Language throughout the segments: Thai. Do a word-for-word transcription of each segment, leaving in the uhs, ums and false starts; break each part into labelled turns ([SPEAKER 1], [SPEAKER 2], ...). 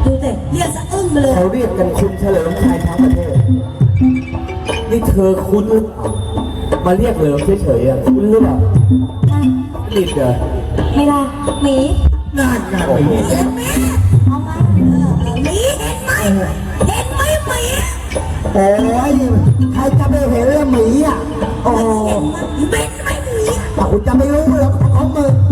[SPEAKER 1] ดูแต่เรียกสะอึ้งไปเลย
[SPEAKER 2] เขาเรียกกันคุณเฉลิมชัยทั้งประเทศนี่เธอคุ้นหรือเปล่ามาเรียกเหลิมเฉยๆอ่ะคุ้นหรือเปล่าลิดเหรอ
[SPEAKER 1] ไม่ได้หมี
[SPEAKER 2] น่านงานไปเนี่ย
[SPEAKER 1] เห็นไหมเอามาเออหมีเห็นไหมเห็นไหมหมี
[SPEAKER 2] โอ้ยใครจะไปเห็นละหมีอ่ะโอ้
[SPEAKER 1] เป็นไหมหมี
[SPEAKER 2] แต่คุณจะไม่รู้หรอกของมึง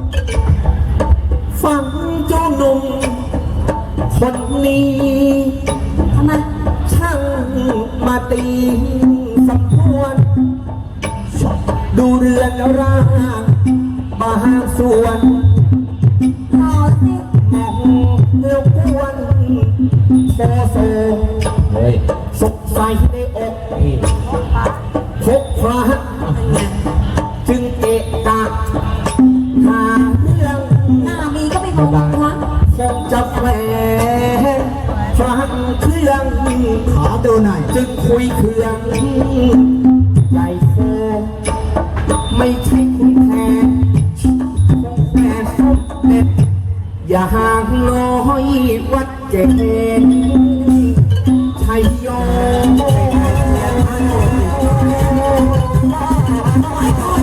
[SPEAKER 2] ฟังเจ้าหนุ่มคนนี้
[SPEAKER 1] ทำไม
[SPEAKER 2] ช่างมาตีสมควรดูเรือนร่างบางส่วน
[SPEAKER 1] ต่อสิ
[SPEAKER 2] มองเลี้ยวกวนโซโซเฮ้ยสกใสในอกพกพระจึงเอะกะหาเรื่อง
[SPEAKER 1] หน้ามีก็ไม่มองครั้ง
[SPEAKER 2] คงจะแฝงฟังเครื่องขอดูหน่อยจึงคุยเครื่องใหญ่โฟไม่ใช่คุณแค่แค่สมเด็จอย่าห่างน้อยวัดเจนชัยโย
[SPEAKER 1] โอ้ย